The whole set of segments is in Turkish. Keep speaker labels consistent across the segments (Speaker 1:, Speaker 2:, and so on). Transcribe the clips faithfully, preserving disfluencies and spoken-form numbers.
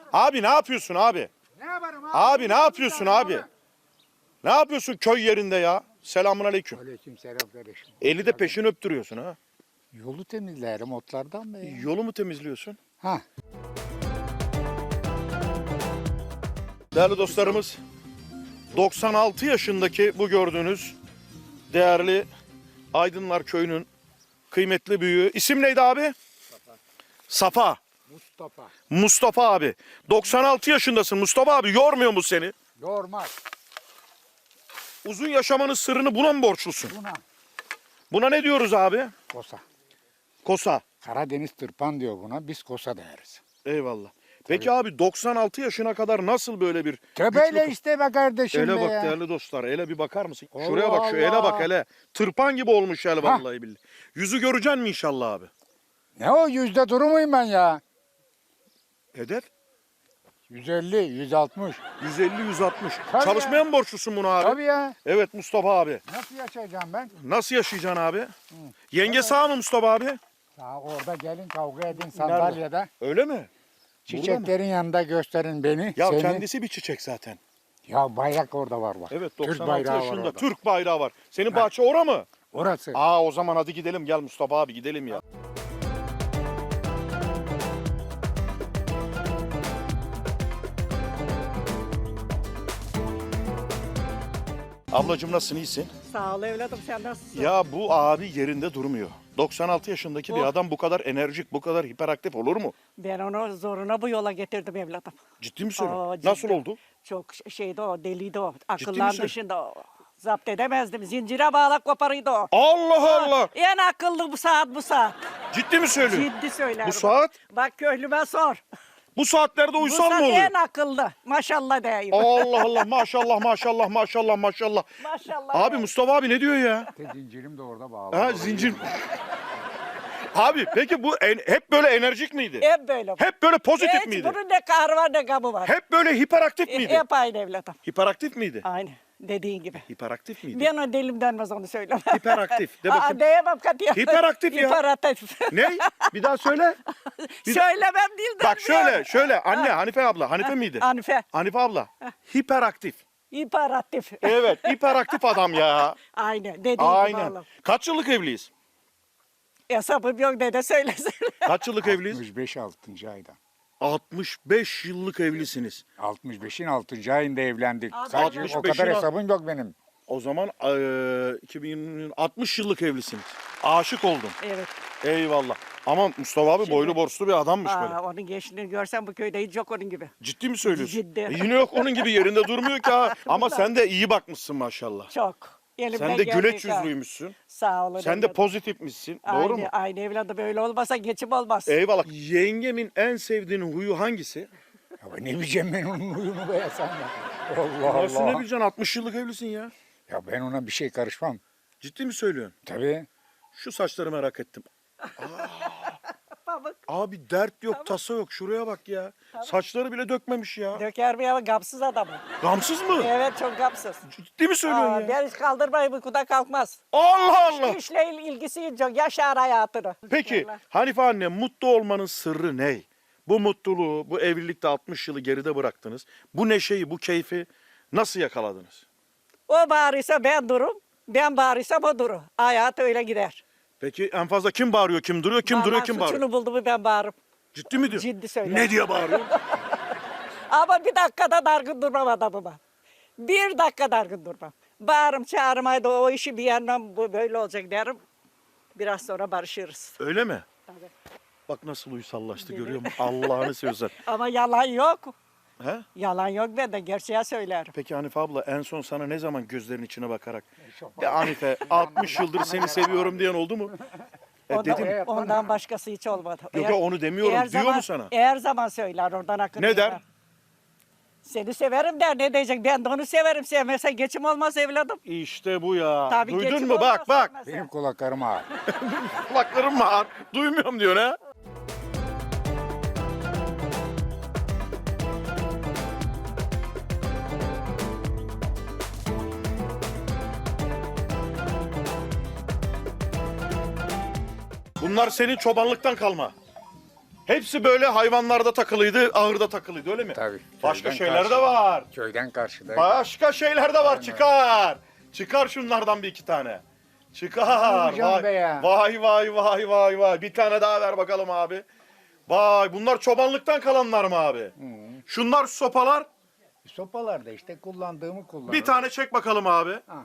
Speaker 1: Abi ne yapıyorsun abi?
Speaker 2: Ne yaparım abi?
Speaker 1: Abi ne yapıyorsun abi? Ne yapıyorsun köy yerinde ya? Selamun aleyküm.
Speaker 2: Aleyküm selam kardeşim.
Speaker 1: Eli de peşini öptürüyorsun ha.
Speaker 2: Yolu temizlerim otlardan be ya.
Speaker 1: Yolu mu temizliyorsun?
Speaker 2: Ha.
Speaker 1: Değerli dostlarımız, doksan altı yaşındaki bu gördüğünüz değerli Aydınlar Köyü'nün kıymetli büyüğü. İsim neydi abi? Safa. Safa.
Speaker 2: Mustafa.
Speaker 1: Mustafa abi. doksan altı yaşındasın Mustafa abi. Yormuyor mu seni?
Speaker 2: Yormaz.
Speaker 1: Uzun yaşamanın sırrını buna mı borçlusun?
Speaker 2: Buna
Speaker 1: Buna ne diyoruz abi?
Speaker 2: kosa.
Speaker 1: Kosa.
Speaker 2: Karadeniz tırpan diyor buna. Biz kosa deriz.
Speaker 1: Eyvallah. Peki abi doksan altı yaşına kadar nasıl böyle bir
Speaker 2: Töbeyle
Speaker 1: güçlü-
Speaker 2: işte be kardeşim
Speaker 1: Ele
Speaker 2: be
Speaker 1: bak
Speaker 2: ya.
Speaker 1: değerli dostlar. Ele bir bakar mısın?
Speaker 2: Allah
Speaker 1: Şuraya bak şu ele
Speaker 2: Allah.
Speaker 1: bak hele. Tırpan gibi olmuş el vallahi billahi. Yüzü göreceksin mi inşallah abi?
Speaker 2: Ne o yüzde duru muyum ben ya?
Speaker 1: Hedef
Speaker 2: yüz elli, yüz altmış.
Speaker 1: yüz elli yüz altmış.
Speaker 2: Tabii
Speaker 1: Çalışmaya
Speaker 2: ya.
Speaker 1: mı borçlusun bunu abi?
Speaker 2: Tabii ya.
Speaker 1: Evet Mustafa abi.
Speaker 2: Nasıl yaşayacağım ben?
Speaker 1: Nasıl yaşayacaksın abi? Yenge sağ mı Mustafa abi?
Speaker 2: Daha orada gelin kavga edin sandalyede.
Speaker 1: Öyle mi?
Speaker 2: Çiçeklerin yanında gösterin beni.
Speaker 1: Ya
Speaker 2: seni.
Speaker 1: kendisi bir çiçek zaten.
Speaker 2: Ya bayrak orada var bak.
Speaker 1: Evet
Speaker 2: Türk
Speaker 1: doksan altı
Speaker 2: bayrağı var
Speaker 1: yaşında
Speaker 2: orada.
Speaker 1: Türk bayrağı var. Senin bahçe ora mı?
Speaker 2: Orası.
Speaker 1: Aa o zaman hadi gidelim gel Mustafa abi gidelim ya. Ablacığım nasılsın iyisin?
Speaker 3: Sağ ol evladım, sen nasılsın?
Speaker 1: Ya bu abi yerinde durmuyor. doksan altı yaşındaki bir
Speaker 3: Oh.
Speaker 1: adam bu kadar enerjik, bu kadar hiperaktif olur mu?
Speaker 3: Ben onu zoruna bu yola getirdim evladım.
Speaker 1: Ciddi mi söylüyorsun?
Speaker 3: Aa,
Speaker 1: Nasıl
Speaker 3: ciddi.
Speaker 1: oldu?
Speaker 3: Çok ş- şeydi o, deliydi o.
Speaker 1: mi
Speaker 3: Akıllan
Speaker 1: söylüyorsun?
Speaker 3: dışında o. Zapt edemezdim. Zincire bağlak koparıydı o.
Speaker 1: Allah Allah!
Speaker 3: En akıllı bu saat bu saat.
Speaker 1: Ciddi mi söylüyorsun?
Speaker 3: Ciddi söylerim.
Speaker 1: Bu saat?
Speaker 3: Bak köylüme sor.
Speaker 1: Bu saatlerde
Speaker 3: Bu
Speaker 1: uysal
Speaker 3: saat
Speaker 1: mı oluyor?
Speaker 3: en akıllı. Maşallah diyeyim.
Speaker 1: Allah Allah maşallah maşallah maşallah maşallah.
Speaker 3: Maşallah.
Speaker 1: Abi
Speaker 3: diyeyim.
Speaker 1: Mustafa abi ne diyor ya?
Speaker 2: Zincirim de orada bağlı.
Speaker 1: Ha zincir. Abi peki bu en- hep böyle enerjik miydi?
Speaker 3: Hep böyle.
Speaker 1: Hep böyle pozitif
Speaker 3: Hiç
Speaker 1: miydi?
Speaker 3: bunun ne kahrı var ne gamı var.
Speaker 1: Hep böyle hiperaktif miydi?
Speaker 3: Hep aynı evladım.
Speaker 1: Hiperaktif miydi?
Speaker 3: Aynı. Dediğin gibi.
Speaker 1: Hiperaktif miydi?
Speaker 3: Ben o dilim denmez onu söylemem.
Speaker 1: Hiperaktif. De
Speaker 3: Aa,
Speaker 1: bakayım.
Speaker 3: diyemem katiyen.
Speaker 1: Hiperaktif ya.
Speaker 3: Hiperaktif.
Speaker 1: Ne? Bir daha söyle. Bir-
Speaker 3: Söylemem dilden.
Speaker 1: Bak şöyle şöyle anne Hanife abla. Hanife miydi?
Speaker 3: Hanife.
Speaker 1: Hanife abla. Hiperaktif.
Speaker 3: Hiperaktif.
Speaker 1: Evet hiperaktif adam ya.
Speaker 3: Aynen. Dediğin gibi
Speaker 1: Aynen.
Speaker 3: oğlum.
Speaker 1: Kaç yıllık evliyiz?
Speaker 3: Hesabım yok dede söylesin.
Speaker 1: Kaç yıllık evliyiz?
Speaker 2: altmış beş altıncı ayda.
Speaker 1: altmış beş yıllık evlisiniz.
Speaker 2: altmış beşin altıncı ayında evlendik.
Speaker 3: Abi,
Speaker 2: Sadece o
Speaker 1: altmış beşin
Speaker 2: kadar
Speaker 1: al-
Speaker 2: hesabım yok benim.
Speaker 1: O zaman eee, iki bin altmış yıllık evlisiniz. Aşık oldum.
Speaker 3: Evet.
Speaker 1: Eyvallah. Ama Mustafa abi boylu borslu bir adammış böyle.
Speaker 3: Aa, onun gençliğini görsen bu köyde hiç yok onun gibi.
Speaker 1: Ciddi mi söylüyorsun?
Speaker 3: Ciddi.
Speaker 1: E yine yok onun gibi yerinde durmuyor ki ha. Ama sen de iyi bakmışsın maşallah.
Speaker 3: Çok. Elimden
Speaker 1: Sen de
Speaker 3: geldiği
Speaker 1: güleç
Speaker 3: kadar.
Speaker 1: yüzlüymüşsün.
Speaker 3: Sağ olun.
Speaker 1: Sen de
Speaker 3: evladım.
Speaker 1: pozitifmişsin. Doğru
Speaker 3: aynı,
Speaker 1: mu?
Speaker 3: Aynı evladı böyle olmasa geçim olmaz.
Speaker 1: Eyvallah. Yengemin en sevdiğin huyu hangisi?
Speaker 2: Ya ben ne bileceğim ben onun huyunu be ya sen ya. Allah
Speaker 1: Nasıl ne
Speaker 2: Allah.
Speaker 1: bileceksin? altmış yıllık evlisin ya.
Speaker 2: Ya ben ona bir şey karışmam.
Speaker 1: Ciddi mi söylüyorsun?
Speaker 2: Tabii.
Speaker 1: Şu saçları merak ettim.
Speaker 3: Pamuk.
Speaker 1: Abi dert yok, tasa yok. Şuraya bak ya. Saçları bile dökmemiş ya.
Speaker 3: Döker mi ama gamsız adamı.
Speaker 1: Gamsız mı?
Speaker 3: Evet çok gamsız.
Speaker 1: Ciddi mi söylüyorsun
Speaker 3: Aa,
Speaker 1: ya?
Speaker 3: ben hiç kaldırmayı uykuda kalkmaz.
Speaker 1: Allah Allah.
Speaker 3: İşle ilgisi çok. Yaşar hayatını.
Speaker 1: Peki Hanife anne mutlu olmanın sırrı ne? Bu mutluluğu, bu evlilikte altmış yılı geride bıraktınız. Bu neşeyi, bu keyfi nasıl yakaladınız?
Speaker 3: O bağırırsa ben durum. Ben bağırırsam o durur. Hayat öyle gider.
Speaker 1: Peki en fazla kim bağırıyor, kim duruyor, kim duruyor,
Speaker 3: Vallahi
Speaker 1: kim
Speaker 3: suçunu
Speaker 1: bağırıyor?
Speaker 3: buldu mu ben bağırırım.
Speaker 1: Ciddi mi diyor?
Speaker 3: Ciddi söylüyorum.
Speaker 1: Ne diye bağırıyor?
Speaker 3: Ama bir dakikada dargın durmam adamıma. Bir dakika dargın durmam. Bağırım çağırım haydi o işi bir yandan bu böyle olacak derim. Biraz sonra barışırız.
Speaker 1: Öyle mi?
Speaker 3: Tabii.
Speaker 1: Bak nasıl uysallaştı görüyor musun? Allah'ını seversen.
Speaker 3: Ama yalan yok.
Speaker 1: He?
Speaker 3: Yalan yok ben de gerçeği söylerim.
Speaker 1: Peki Hanife abla en son sana ne zaman gözlerin içine bakarak ya Hanife altmış yıldır seni seviyorum diyen oldu mu? E,
Speaker 3: Ondan,
Speaker 1: dedim.
Speaker 3: ondan başkası hiç olmadı.
Speaker 1: Yok ya onu demiyorum.
Speaker 3: eğer
Speaker 1: Diyor
Speaker 3: zaman,
Speaker 1: mu sana?
Speaker 3: Her zaman söyler oradan akın.
Speaker 1: Ne der?
Speaker 3: Seni severim der ne diyecek? Ben de onu severim sevmezsen geçim olmaz evladım.
Speaker 1: İşte bu ya.
Speaker 3: Tabii
Speaker 1: Duydun
Speaker 3: geçim
Speaker 1: mu?
Speaker 3: olmaz
Speaker 1: Bak bak.
Speaker 3: sevmezsen.
Speaker 2: Benim kulaklarım ağır.
Speaker 1: Kulaklarım var. Duymuyorum diyor ha. Bunlar senin çobanlıktan kalma. Hepsi böyle hayvanlarda takılıydı, ahırda takılıydı öyle mi?
Speaker 2: Tabii.
Speaker 1: Başka
Speaker 2: köyden
Speaker 1: şeyler de
Speaker 2: karşı-
Speaker 1: var.
Speaker 2: Köyden karşıda.
Speaker 1: Başka şeyler de var. Çıkar. Çıkar şunlardan bir iki tane. Çıkar.
Speaker 2: yapacağım
Speaker 1: Vay,
Speaker 2: be ya?
Speaker 1: vay vay vay vay vay. Bir tane daha ver bakalım abi. Vay bunlar çobanlıktan kalanlar mı abi? Şunlar sopalar.
Speaker 2: Sopalarda işte kullandığımı kullanırım.
Speaker 1: Bir tane çek bakalım abi.
Speaker 2: Ha.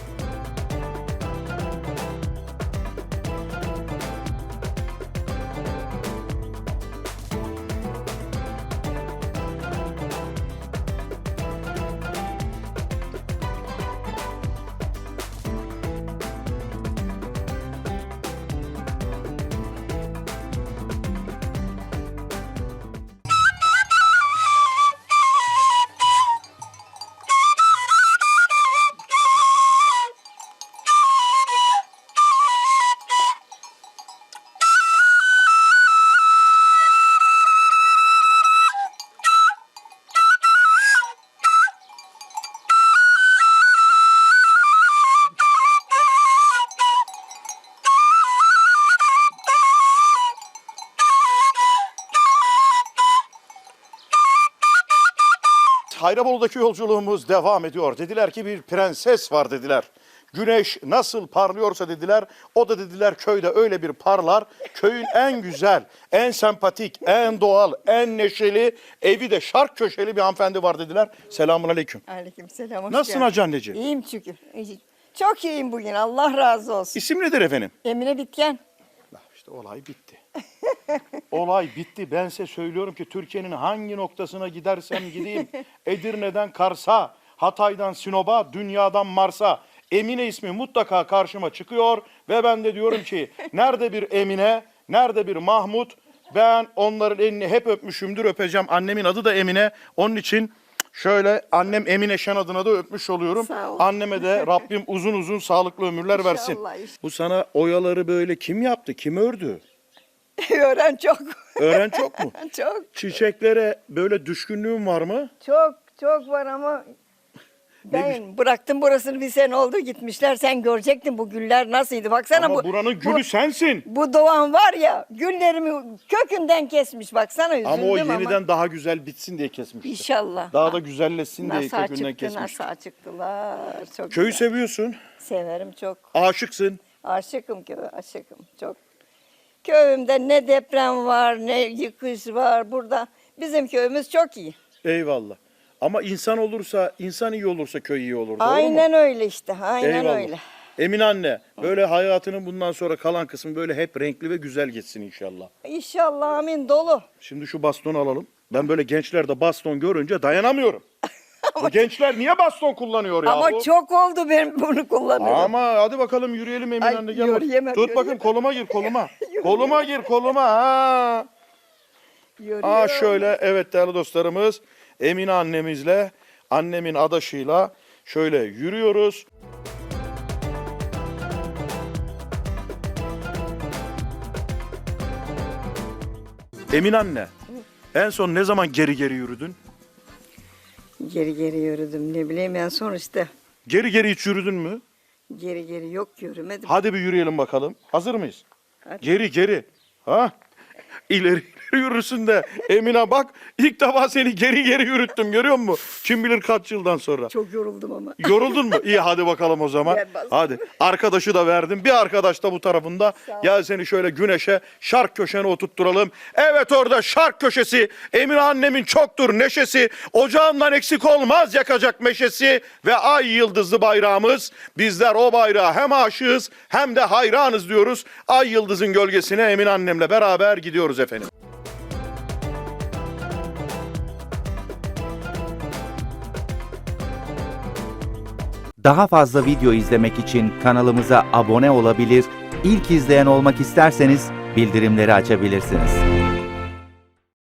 Speaker 1: Hayrabolu'daki yolculuğumuz devam ediyor. Dediler ki bir prenses var dediler. Güneş nasıl parlıyorsa dediler, o da dediler köyde öyle bir parlar. Köyün en güzel, en sempatik, en doğal, en neşeli, evi de şark köşeli bir hanımefendi var dediler. Selamun aleyküm.
Speaker 3: Aleykümselam. hoş
Speaker 1: Nasılsın
Speaker 3: geldin.
Speaker 1: hacı anneciğim?
Speaker 3: İyiyim şükür. İyi. Çok iyiyim bugün. Allah razı olsun.
Speaker 1: İsim nedir efendim?
Speaker 3: Emine Bitken.
Speaker 1: İşte olay bitti. Olay bitti. Ben size söylüyorum ki Türkiye'nin hangi noktasına gidersem gideyim. Edirne'den Kars'a, Hatay'dan Sinop'a, dünyadan Mars'a. Emine ismi mutlaka karşıma çıkıyor ve ben de diyorum ki nerede bir Emine, nerede bir Mahmut? Ben onların elini hep öpmüşümdür, öpeceğim. Annemin adı da Emine. Onun için şöyle annem Emine Şen adına da öpmüş oluyorum.
Speaker 3: Sağ ol.
Speaker 1: Anneme de Rabbim uzun uzun sağlıklı ömürler versin.
Speaker 3: İnşallah, inşallah.
Speaker 1: Bu sana oyaları böyle kim yaptı, kim ördü?
Speaker 3: Öğren çok.
Speaker 1: Öğren çok mu?
Speaker 3: Çok.
Speaker 1: Çiçeklere böyle düşkünlüğün var mı?
Speaker 3: Çok çok var ama ben bıraktım burasını bir sene oldu gitmişler. Sen görecektin bu güller nasılydı. Baksana
Speaker 1: Ama
Speaker 3: bu.
Speaker 1: buranın gülü
Speaker 3: bu,
Speaker 1: sensin.
Speaker 3: bu doğan var ya güllerimi kökünden kesmiş. Baksana üzüldüm
Speaker 1: Ama o
Speaker 3: ama.
Speaker 1: yeniden daha güzel bitsin diye kesmişti.
Speaker 3: İnşallah.
Speaker 1: Daha da güzelleşsin diye
Speaker 3: Nasıl
Speaker 1: kökünden
Speaker 3: çıktı,
Speaker 1: kesmiş.
Speaker 3: nasıl çıktılar. Çok
Speaker 1: Köyü
Speaker 3: güzel.
Speaker 1: seviyorsun,
Speaker 3: Severim çok.
Speaker 1: aşıksın.
Speaker 3: Aşıkım köye, aşıkım çok. Köyümde ne deprem var, ne yıkış var burada. Bizim köyümüz çok iyi.
Speaker 1: Eyvallah. Ama insan olursa, insan iyi olursa köy iyi olur. Doğru mu?
Speaker 3: Aynen öyle işte, aynen
Speaker 1: Eyvallah.
Speaker 3: öyle.
Speaker 1: Emine anne, böyle hayatının bundan sonra kalan kısmı böyle hep renkli ve güzel geçsin inşallah.
Speaker 3: İnşallah amin dolu.
Speaker 1: Şimdi şu bastonu alalım. Ben böyle gençlerde baston görünce dayanamıyorum. Bu gençler niye baston kullanıyor ya?
Speaker 3: Ama
Speaker 1: bu?
Speaker 3: çok oldu ben bunu kullanıyorum.
Speaker 1: Ama hadi bakalım yürüyelim Emine
Speaker 3: Ay,
Speaker 1: anne. Gel bak.
Speaker 3: yürüyemem,
Speaker 1: Tut bakayım
Speaker 3: yürüyemem.
Speaker 1: koluma gir koluma. koluma gir koluma. Ha.
Speaker 3: Yürüyorum.
Speaker 1: Aa şöyle evet değerli dostlarımız Emine annemizle annemin adaşıyla şöyle yürüyoruz. Emine anne en son ne zaman geri geri yürüdün?
Speaker 3: Geri geri yürüdüm ne bileyim en son işte.
Speaker 1: Geri geri hiç yürüdün mü?
Speaker 3: Geri geri yok yürümedim.
Speaker 1: Hadi bir yürüyelim bakalım. Hazır mıyız?
Speaker 3: Hadi.
Speaker 1: Geri geri. Ha? İleri ileri yürürsün de Emine bak ilk defa seni geri geri yürüttüm görüyor musun? Kim bilir kaç yıldan sonra.
Speaker 3: Çok yoruldum ama.
Speaker 1: Yoruldun mu? İyi hadi bakalım o zaman.
Speaker 3: Gel bas.
Speaker 1: Hadi. Arkadaşı da verdim. Bir arkadaş da bu tarafında.
Speaker 3: Sağ ol.
Speaker 1: Gel seni şöyle güneşe, şark köşene oturtturalım. Evet orada şark köşesi. Emine annemin çoktur neşesi. Ocağından eksik olmaz yakacak meşesi. Ve ay yıldızlı bayrağımız. Bizler o bayrağa hem aşığız hem de hayranız diyoruz. Ay yıldızın gölgesine Emine annemle beraber gidiyoruz efendim.
Speaker 4: Daha fazla video izlemek için kanalımıza abone olabilir, ilk izleyen olmak isterseniz bildirimleri açabilirsiniz.